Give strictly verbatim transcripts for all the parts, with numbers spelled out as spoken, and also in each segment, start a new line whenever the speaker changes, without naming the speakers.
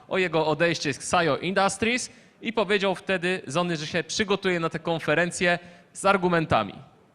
o jego odejście z Xayo Industries i powiedział wtedy Zony, że się przygotuje na tę konferencję z argumentami.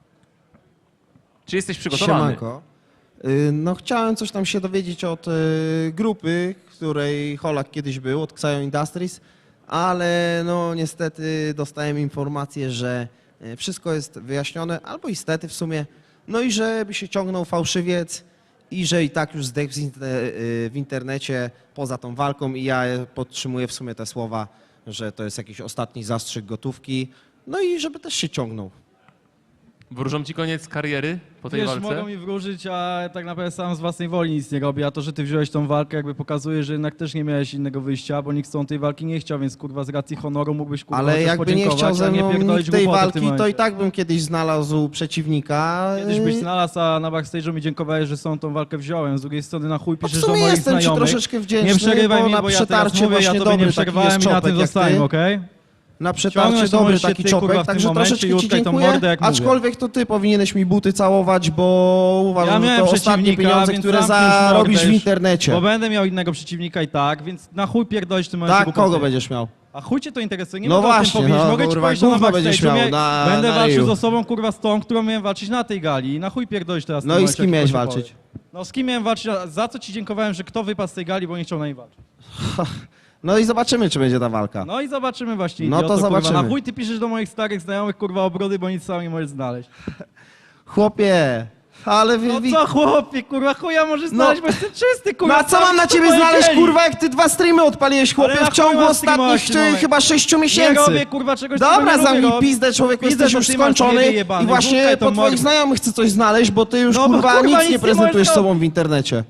Czy jesteś przygotowany?
Siemanko. Y, No chciałem coś tam się dowiedzieć od y, grupy, w której Holak kiedyś był, od Xayo Industries, ale no niestety dostałem informację, że y, wszystko jest wyjaśnione, albo niestety w sumie, no i żeby się ciągnął fałszywiec i że i tak już zdechł z inter- y, w internecie poza tą walką i ja podtrzymuję w sumie te słowa, że to jest jakiś ostatni zastrzyk gotówki, no i żeby też się ciągnął.
Wróżą ci koniec kariery po tej
Wiesz,
walce?
mogą mi wróżyć, a tak naprawdę sam z własnej woli nic nie robię, a to, że ty wziąłeś tą walkę, jakby pokazuje, że jednak też nie miałeś innego wyjścia, bo nikt z tą tej walki nie chciał, więc kurwa z racji honoru mógłbyś kurwa
Ale
chociaż
jakby nie
podziękować,
chciał ze
a nie
mną
pierdolić
nikt tej
głupoty w tym
walki, to i
momencie.
tak bym kiedyś znalazł przeciwnika.
Kiedyś byś
Yy,
znalazł, a na backstage'u mi dziękowałeś, że są tą walkę wziąłem. Z drugiej strony na chuj
no w
piszesz do
sumie
moich
jestem ci
znajomych.
troszeczkę wdzięczny,
Nie przerywaj
bo
mi,
na
bo ja teraz
przetarcie
mówię, ja
właśnie
tobie
dobry
nie
taki
przerwałem
jest
i na tym
czopek jak
zostałem,
ty.
okej?
Na przetarcie
Ciągnąć to
dobry
możesz się
taki
ty, kurwa,
czopek,
w tym
także
momencie
troszeczkę
i
ci
utkaj tą
dziękuję,
mordę, jak mówię.
aczkolwiek to ty powinieneś mi buty całować, bo uważam,
Ja
że
miałem
to ostatnie
przeciwnika,
pieniądze,
więc
które
zamknij już
zarobisz
mordę
w
już,
internecie.
Bo będę miał innego przeciwnika i tak, więc na chuj pierdolisz w tym momencie
Tak,
głupoty.
kogo będziesz miał?
A chuj cię to interesuje, nie
No
mogę o
właśnie,
tym powiedzieć,
no,
mogę ci
kurwa,
powiedzieć, że na
gówno będziesz
backstage'u
miał
mia-
na-
będę
na
walczył
ryju.
z osobą, kurwa, z tą, którą miałem walczyć na tej gali i na chuj pierdolisz teraz w
No
tym
i
momencie,
z kim
jak
miałeś
ktoś
walczyć?
powie. No z kim miałem walczyć, a za co ci dziękowałem, że kto wypadł z tej gali, bo nie chciał na niej walczyć.
No i zobaczymy, czy będzie ta walka.
No i zobaczymy właśnie,
No to
idioto,
zobaczymy.
Kurwa. Na chuj ty piszesz do moich starych znajomych, kurwa, obrody, bo nic sam nie możesz znaleźć.
Chłopie, ale wy...
No
wi-
co chłopie, kurwa, chuja możesz znaleźć, bo jestem czysty, kurwa.
No a co mam na
co
ciebie
powiedzieli?
znaleźć, kurwa, jak ty dwa streamy odpaliłeś, chłopie,
Ale na
w ciągu
chuj mam
ostatnich
streamować w tym momencie.
chyba sześciu
Nie
miesięcy.
robię, kurwa, czegoś, czego
Dobra,
nie lubię
zamknij
robić.
pizdę, człowieku,
Pizdę
jesteś
to
już
ty masz,
skończony
niebie jebany,
i właśnie
wódkę to
po twoich
mordę.
znajomych chcę coś znaleźć, bo ty już,
No bo,
kurwa,
kurwa, nic
nic
nie
nie prezentujesz
możesz
sobą w internecie.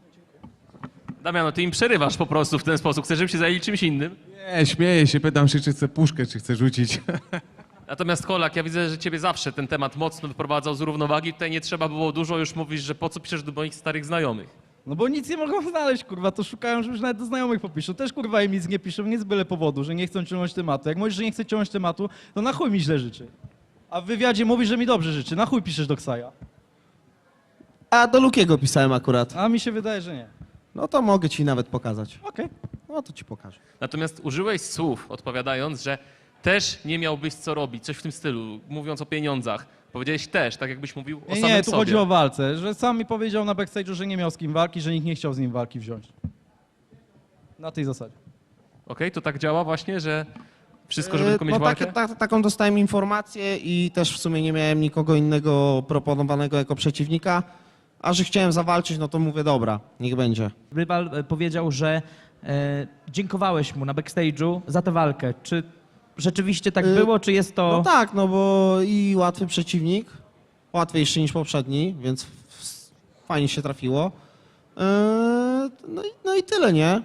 Damiano, ty im przerywasz po prostu w ten sposób. Chcesz, żeby się zajęli czymś innym?
Nie, śmieję się, pytam się, czy chce puszkę, czy chce rzucić.
Natomiast Holak, ja widzę, że ciebie zawsze ten temat mocno wyprowadzał z równowagi. Tutaj nie trzeba było dużo, już mówisz, że po co piszesz do moich starych znajomych.
No bo nic nie mogą znaleźć, kurwa, to szukają, że już nawet do znajomych popiszą. Też, kurwa, im nic nie piszą, nie z byle powodu, że nie chcą ciągnąć tematu. Jak mówisz, że nie chce ciągnąć tematu, to na chuj mi źle życzy. A w wywiadzie mówisz, że mi dobrze życzy. Na chuj piszesz do Ksaja.
A do Lukiego pisałem akurat.
A mi się wydaje, że nie.
No to mogę ci nawet pokazać.
Okej.
No to ci pokażę.
Natomiast użyłeś słów, odpowiadając, że też nie miałbyś co robić, coś w tym stylu, mówiąc o pieniądzach. Powiedziałeś też, tak jakbyś mówił o
Nie,
samym
nie, tu
sobie.
chodzi o walce, że sam mi powiedział na backstage'u, że nie miał z kim walki, że nikt nie chciał z nim walki wziąć. Na tej zasadzie.
Okej, to tak działa właśnie, że wszystko, żeby
E,
tylko mieć
no
walkę?
takie, ta, taką dostałem informację i też w sumie nie miałem nikogo innego proponowanego jako przeciwnika, a że chciałem zawalczyć, no to mówię, dobra, niech będzie.
Rywal e, powiedział, że e, dziękowałeś mu na backstage'u za tę walkę. Czy rzeczywiście tak
Y,
było, czy jest to...
No tak, no bo i łatwy przeciwnik, łatwiejszy niż poprzedni, więc f- f- fajnie się trafiło. E, no, i, no i tyle, nie?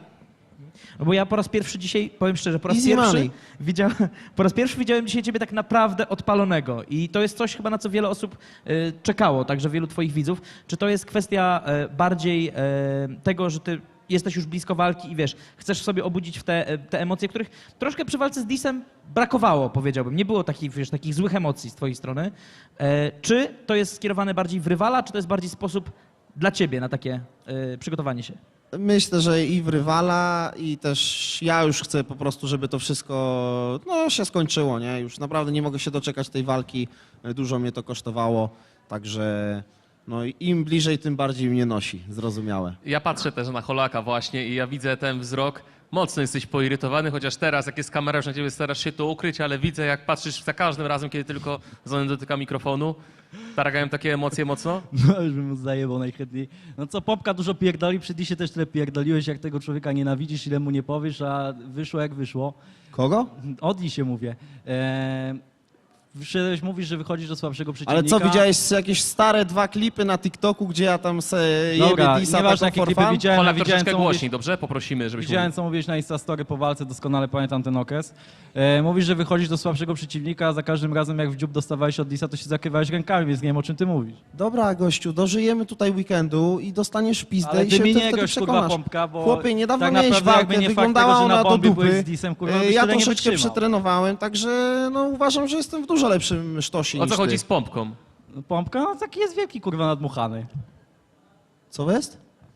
No bo ja po raz pierwszy dzisiaj, powiem szczerze, po raz
Easy
pierwszy
money.
widziałem, po raz pierwszy widziałem dzisiaj ciebie tak naprawdę odpalonego i to jest coś chyba, na co wiele osób y, czekało, także wielu twoich widzów. Czy to jest kwestia e, bardziej e, tego, że ty jesteś już blisko walki i wiesz, chcesz w sobie obudzić w te, e, te emocje, których troszkę przy walce z Disem brakowało, powiedziałbym. Nie było takich, wiesz, takich złych emocji z twojej strony. E, czy to jest skierowane bardziej w rywala, czy to jest bardziej sposób dla ciebie na takie e, przygotowanie się?
Myślę, że i w rywala, i też ja już chcę po prostu, żeby to wszystko no, się skończyło, nie? Już naprawdę nie mogę się doczekać tej walki, dużo mnie to kosztowało, także no, im bliżej, tym bardziej mnie nosi, zrozumiałe.
Ja patrzę też na Holaka właśnie i ja widzę ten wzrok. Mocno jesteś poirytowany, chociaż teraz, jak jest kamera, już na ciebie starasz się to ukryć, ale widzę, jak patrzysz za każdym razem, kiedy tylko Zony dotyka mikrofonu. Targają takie emocje mocno?
No już bym mu zajebał najchętniej. No co, Popka dużo pierdoli, przy Disie też tyle pierdoliłeś, jak tego człowieka nienawidzisz, ile mu nie powiesz, a wyszło jak wyszło.
Kogo?
O Disie mówię. Eee, Wyszedłeś, mówisz, że wychodzisz do słabszego przeciwnika.
Ale co, widziałeś jakieś stare dwa klipy na TikToku, gdzie ja tam se
Dobra,
jebie disa
nieważne,
taką
jakie
for
klipy
fun?
widziałem,
Holak
a widziałem,
troszeczkę
co mówisz,
głośniej, dobrze? Poprosimy, żebyś
widziałem,
mówił.
co mówiłeś na Instastory po walce, doskonale pamiętam ten okres. E, mówisz, że wychodzisz do słabszego przeciwnika, a za każdym razem, jak w dziób dostawałeś od Disa, to się zakrywałeś rękami, więc nie wiem, o czym ty mówisz.
Dobra, gościu, dożyjemy tutaj weekendu i dostaniesz pizdę
Ale
i
ty
się
mi
ty
nie
wtedy
gość, kurwa,
przekonasz.
Pompka, bo
Chłopie, niedawno
tak
miałeś
naprawdę jakby
walkę,
nie fakt
wyglądała
tego, że na
ona do
bombie byłeś
dupy.
z Disem, kurwa,
E,
byś
ja
tyle nie
troszeczkę
wytrzymał.
przetrenowałem, także no, uważam, że jestem w dużo lepszym sztosie
O
niż
co chodzi
ty.
z pompką?
No, Pompka, no taki jest wielki, kurwa, nadmuchany.
Co jest?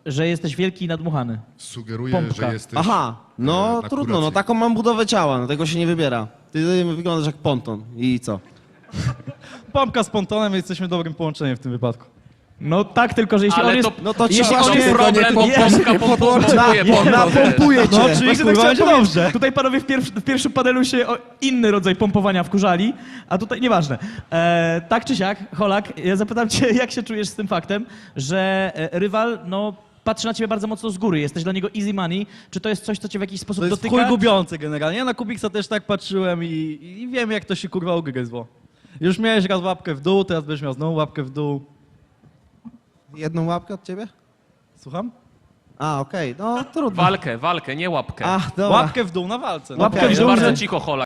że jesteś wielki i nadmuchany.
Sugeruję,
Pompka.
że jesteś...
Aha, no
e, na
trudno, no
kuracji.
taką mam budowę ciała, no tego się nie wybiera. Ty wyglądasz jak ponton i co?
Pompka z pontonem, jesteśmy dobrym połączeniem w tym wypadku.
No tak, tylko że jeśli
Ale
on jest...
to,
no to ci
jeśli
właśnie
on jest
tego
problem,
nie
bo
podłączy-
pompka pompuje
Na-
ponton.
Napompuję cię.
No,
Właśnie
czyli
tak
kurwa
chciałem
będzie
powiedzieć.
dobrze.
Tutaj panowie w, pierwszy, w pierwszym panelu się o inny rodzaj pompowania wkurzali, a tutaj nieważne. E, tak czy siak, Holak, ja zapytam cię, jak się czujesz z tym faktem, że e, rywal, no, patrzy na ciebie bardzo mocno z góry, jesteś dla niego easy money. Czy to jest coś, co cię w jakiś sposób
To jest
dotyka?
chuj gubiące generalnie. Ja na Kubiksa też tak patrzyłem i, i wiem, jak to się kurwa ugryzło. Już miałeś raz łapkę w dół, teraz będziesz miał znowu łapkę w dół.
Jedną łapkę od ciebie?
Słucham?
A, okej, no trudno.
Walkę, walkę, nie łapkę.
Ach, dobra.
Łapkę w dół na walce. No.
Łapkę
Okej,
w
Jest
dół,
bardzo
że-
cicho, Holak.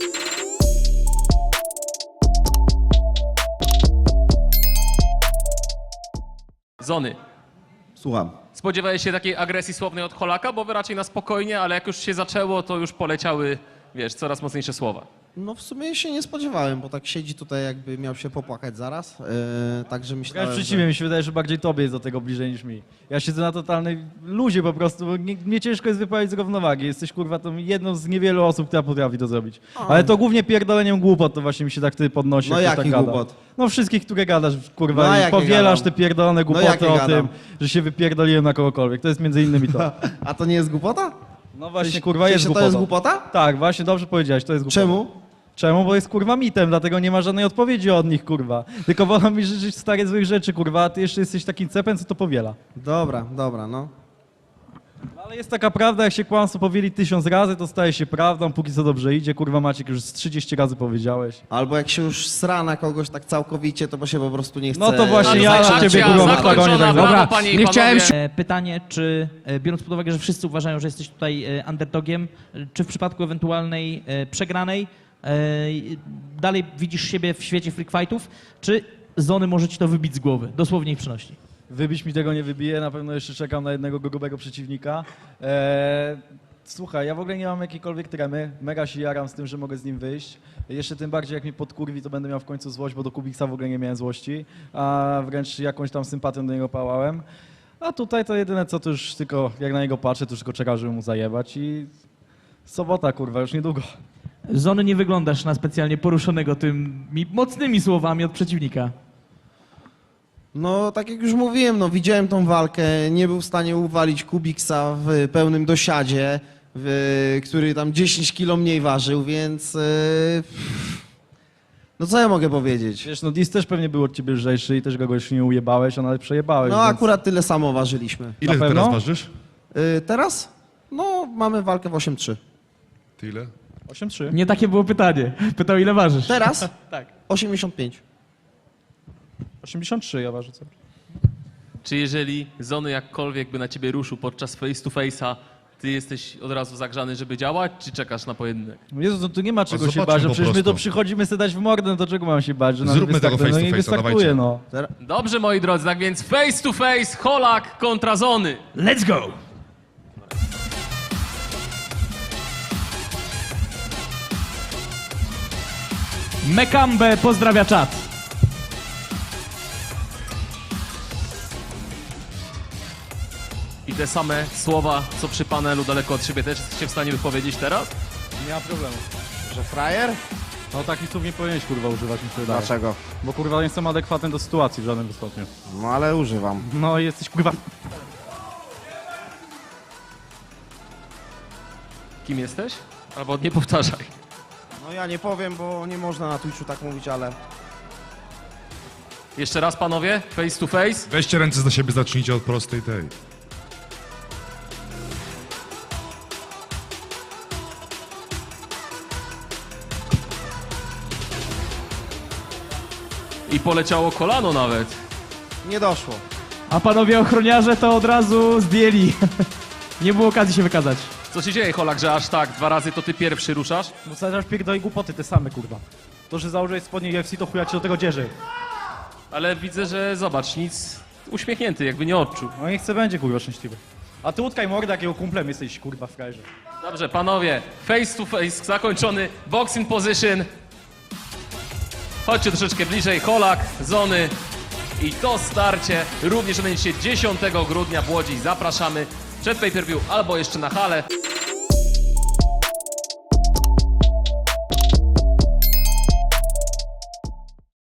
Zony.
Słucham.
Spodziewałeś się takiej agresji słownej od Holaka, bo wy raczej na spokojnie, ale jak już się zaczęło, to już poleciały, wiesz, coraz mocniejsze słowa.
No w sumie się nie spodziewałem, bo tak siedzi tutaj jakby miał się popłakać zaraz, yy, także
Ja
myślałem,
przeciwnie, mi się wydaje, że bardziej tobie jest do tego bliżej niż mi. Ja siedzę na totalnej luzie po prostu, bo nie, mnie ciężko jest wyprawić z równowagi. Jesteś kurwa tą jedną z niewielu osób, która potrafi to zrobić. Ale to głównie pierdoleniem głupot, to właśnie mi się tak ty podnosi.
No
jak ktoś
jakich
tak gada.
głupot?
No wszystkich, które gadasz, kurwa,
No
i
jakie
powielasz
gadam?
te pierdolone głupoty
jakie
o
gadam?
tym, że się wypierdoliłem na kogokolwiek. To jest między innymi to.
A to nie jest głupota?
No właśnie,
Czy-
kurwa,
czy
jest
się
głupota.
to jest głupota?
Tak, właśnie, dobrze powiedziałeś, to jest głupota.
Czemu?
Czemu? Bo jest kurwa mitem, dlatego nie ma żadnej odpowiedzi od nich, kurwa. Tylko wolą mi życzyć stare złych rzeczy, kurwa, a ty jeszcze jesteś takim cepem, co to powiela.
Dobra, dobra, no.
Ale jest taka prawda, jak się kłamstwo powieli tysiąc razy, to staje się prawdą, póki co dobrze idzie. Kurwa Maciek, już z trzydzieści razy powiedziałeś.
Albo jak się już sra na kogoś tak całkowicie, to bo się po prostu nie chce...
No to właśnie ja
Akcja
na ciebie, kurwa, w
zakończona,
oktagonie tak
brawo,
Dobra,
panie i
nie chciałem
panowie.
E, Pytanie, czy e, biorąc pod uwagę, że wszyscy uważają, że jesteś tutaj e, underdogiem, e, czy w przypadku ewentualnej e, przegranej e, dalej widzisz siebie w świecie freak fightów, czy Zony może ci to wybić z głowy, dosłownie i przenośni?
Wybić mi tego nie wybije, na pewno jeszcze czekam na jednego grubego przeciwnika. Eee, słuchaj, ja w ogóle nie mam jakiejkolwiek tremy, mega się jaram z tym, że mogę z nim wyjść. Jeszcze tym bardziej jak mnie podkurwi, to będę miał w końcu złość, bo do Kubiksa w ogóle nie miałem złości, a wręcz jakąś tam sympatią do niego pałałem. A tutaj to jedyne co, to już tylko jak na niego patrzę, to już tylko czekam, żeby mu zajebać i sobota, kurwa, już niedługo.
Zony, nie wyglądasz na specjalnie poruszonego tymi mocnymi słowami od przeciwnika.
No, tak jak już mówiłem, no widziałem tą walkę, nie był w stanie uwalić Kubiksa w pełnym dosiadzie, w, który tam dziesięć kilo mniej ważył, więc... Yy, no co ja mogę powiedzieć?
Wiesz, no Dis też pewnie był od ciebie lżejszy i też go już nie ujebałeś, a nawet przejebałeś.
No
więc...
akurat tyle samo ważyliśmy.
Ile
Na
ty
pewno?
teraz ważysz?
Yy, teraz? No, mamy walkę w osiem trzy.
Ty ile?
osiem trzy.
Nie takie było pytanie. Pytał, ile ważysz.
Teraz?
Tak.
osiemdziesiąt pięć.
osiemdziesiąt trzy ja ważę sobie.
Czy jeżeli Zony jakkolwiek by na ciebie ruszył podczas face to face'a, ty jesteś od razu zagrzany, żeby działać, czy czekasz na pojedynek?
No Jezu, to tu nie ma czego się
zobaczmy
bać, no
po
przecież my
prostu.
to przychodzimy sobie dać w mordę, no to czego mam się bać? Że nam
Zróbmy
nie
tego
wystartuje?
face
No
to
nie
face'a,
wystartuje,
dawajcie.
no.
Dobrze, moi drodzy, tak więc face to face, Holak kontra Zony.
Let's go! Mekambe pozdrawia czat.
I te same słowa, co przy panelu daleko od siebie, też jesteście w stanie wypowiedzieć teraz?
Nie ma problemu.
Że frajer?
No takich słów nie powinieneś kurwa używać, mi się wydaje.
Dlaczego?
Bo kurwa nie jestem adekwatny do sytuacji w żadnym stopniu.
No ale używam.
No i jesteś kurwa...
Kim jesteś? Albo nie powtarzaj.
No ja nie powiem, bo nie można na Twitchu tak mówić, ale...
Jeszcze raz, panowie, face to face.
Weźcie ręce za siebie, zacznijcie od prostej tej.
I poleciało kolano nawet.
Nie doszło.
A panowie ochroniarze to od razu zdjęli. Nie było okazji się wykazać.
Co się dzieje, Holak, że aż tak dwa razy to ty pierwszy ruszasz?
No zaraz pierdolę głupoty te same kurwa. To, że założyłeś spodnie U F C, to chuja ci do tego dzierzy.
Ale widzę, że zobacz, nic uśmiechnięty, jakby nie odczuł.
No niech chce będzie kurwa szczęśliwy. A ty utkaj mordę, jakiego kumplem jesteś kurwa w frajerze.
Dobrze, panowie, face to face zakończony, boxing position. Chodźcie troszeczkę bliżej, Holak, Zony. I to starcie również odbędzie się dziesiątego grudnia w Łodzi. Zapraszamy przed pay-per-view albo jeszcze na halę.